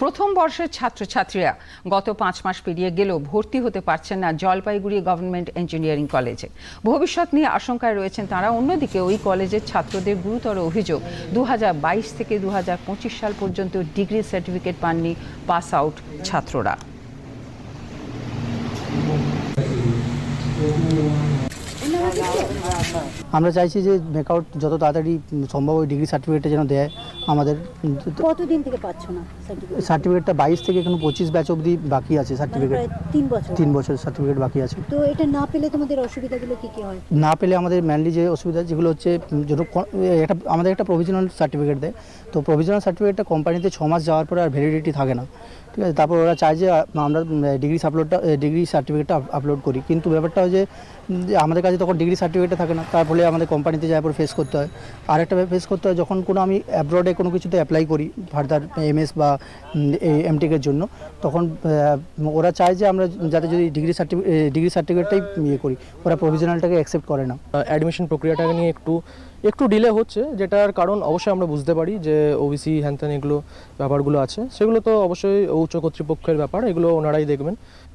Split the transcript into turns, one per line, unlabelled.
প্রথম বর্ষের ছাত্রছাত্রীরা গত 5 মাস পেরিয়ে গেলেও ভর্তি হতে পারছেন না জলপাইগুড়ি গভর্নমেন্ট ইঞ্জিনিয়ারিং কলেজে। ভবিষ্যৎ নিয়ে আশঙ্কায় রয়েছেন তারা। অন্যদিকে ওই কলেজের ছাত্রদের গুরুতর অভিযোগ 2022 থেকে 2025 সাল পর্যন্ত ডিগ্রি সার্টিফিকেট পাননি পাস আউট ছাত্ররা।
আমরা চাইছি যে মেকআউট যত তাড়াতাড়ি সম্ভব ওই ডিগ্রি সার্টিফিকেটটা যেন দেয় আমাদের।
কতদিন থেকে পাচ্ছ না
সার্টিফিকেটটা 22 থেকে এখন 25 ব্যাচ অবধি বাকি আছে সার্টিফিকেট। 3 বছর সার্টিফিকেট বাকি আছে।
তো এটা না পেলে তোমাদের অসুবিধাগুলো কি কি হয়?
না পেলে আমাদের মেনলি যে অসুবিধা যেগুলো হচ্ছে আমাদের একটা প্রভিশনাল সার্টিফিকেট দেয়। তো প্রভিশনাল সার্টিফিকেটটা কোম্পানিতে 6 মাস যাওয়ার পরে আর ভ্যালিডিটি থাকে না, ঠিক আছে। তারপর ওরা চায় যে আমরা ডিগ্রি সার্টিফিকেটটা আপলোড করি, কিন্তু ব্যাপারটা হয় যে আমাদের কাছে তখন ডিগ্রি সার্টিফিকেটটা থাকে না। তার ফলে আমাদের কোম্পানিতে যাওয়ার পর ফেস করতে হয়। আরেকটা ফেস করতে হয় যখন কোনো আমি অ্যাব্রডে কোনো কিছুতে অ্যাপ্লাই করি ফার্দার MS বা MTech-এর জন্য, তখন ওরা চায় যে আমরা যাতে যদি ডিগ্রি সার্টিফিকেটটাই করি, ওরা প্রভিশনালটাকে অ্যাকসেপ্ট করে না।
অ্যাডমিশন প্রক্রিয়াটাকে নিয়ে একটু ডিলে হচ্ছে, যেটার কারণ অবশ্যই আমরা বুঝতে পারি যে OBC হ্যানত্যান এগুলো ব্যাপারগুলো আছে, সেগুলো তো অবশ্যই উচ্চ কর্তৃপক্ষের ব্যাপার, এগুলো ওনারাই দেখবেন।